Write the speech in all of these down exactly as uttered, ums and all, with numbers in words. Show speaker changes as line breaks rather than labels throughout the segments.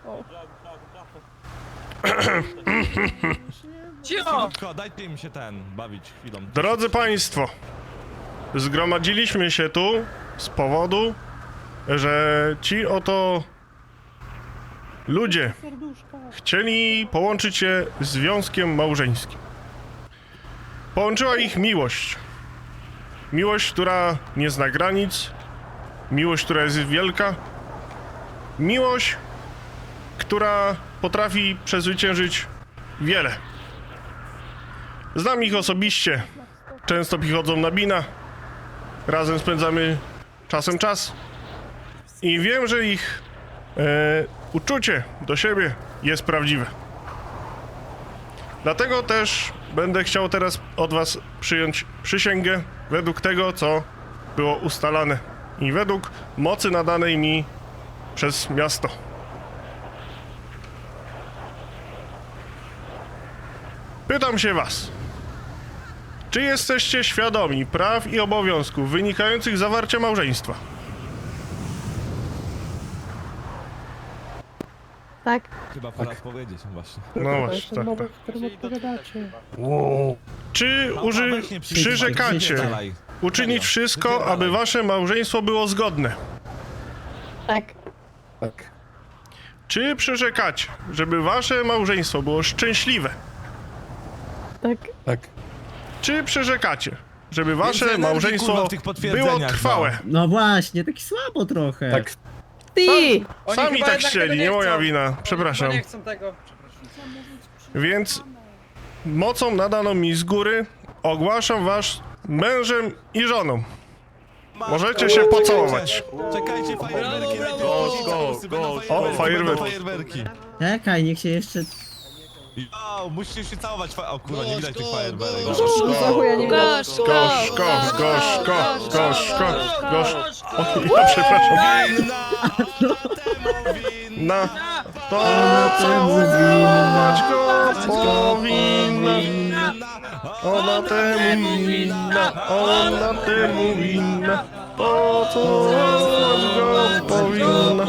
Cicho!
Dajcie im się ten, bawić chwilą.
Drodzy Państwo, zgromadziliśmy się tu z powodu, że ci oto ludzie chcieli połączyć się związkiem małżeńskim. Połączyła ich miłość. Miłość, która nie zna granic, miłość, która jest wielka, miłość, która potrafi przezwyciężyć wiele. Znam ich osobiście, często przychodzą na bina, razem spędzamy czasem czas i wiem, że ich e, uczucie do siebie jest prawdziwe. Dlatego też będę chciał teraz od was przyjąć przysięgę według tego, co było ustalane i według mocy nadanej mi przez miasto. Pytam się was, czy jesteście świadomi praw i obowiązków wynikających z zawarcia małżeństwa?
Tak.
Chyba pora powiedzieć właśnie.
No właśnie, tak, tak. Czy uży...
weź nie przy-
przyrzekacie
Dalej.
uczynić
Serio.
wszystko,
Wypierdalaj.
aby wasze małżeństwo było zgodne?
Tak.
Tak.
Czy przyrzekacie, żeby wasze małżeństwo było szczęśliwe?
Tak.
Tak.
Czy przyrzekacie, żeby wasze
energii,
małżeństwo
kurwa, w tych
było
potwierdzeniach,
trwałe?
No właśnie, taki słabo trochę.
Tak.
Ty!
Oni
Sami
chyba
tak
jednak
chcieli,
tego
nie moja
chcą.
wina,
Oni
przepraszam.
chyba nie chcą tego.
Więc mocą nadaną mi z góry ogłaszam was mężem i żoną. Możecie się pocałować.
Czekajcie, fajerwerki.
Brawo, brawo.
Go, go,
O, fajerwerki.
fajerwerki.
Czekaj, niech się jeszcze...
O, musicie się całować. fa- O kurwa, nie widać tych fajerwerek.
Za chuja nie widać.
Gość, gość, gość, gość, gość, gość. O, ja przepraszam. Na to całować go powinna. Ona temu winna, ona temu winna. Pocałować go powinna.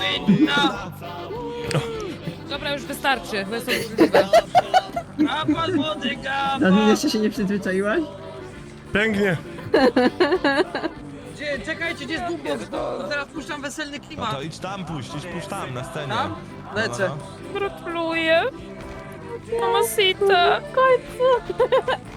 Dobra, już wystarczy, to jest obrzydliwe.
Kapal wody, kapal!
Nadmin, jeszcze się nie przyzwyczaiłaś?
Pięknie.
Gdzie, czekajcie, gdzie jest boombox? Bo zaraz puszczam weselny
No
klimat.
to idź tam puść, idź puść tam, na scenie.
Tam? Lecę.
Gratuluję. Mamacita.
Końcu.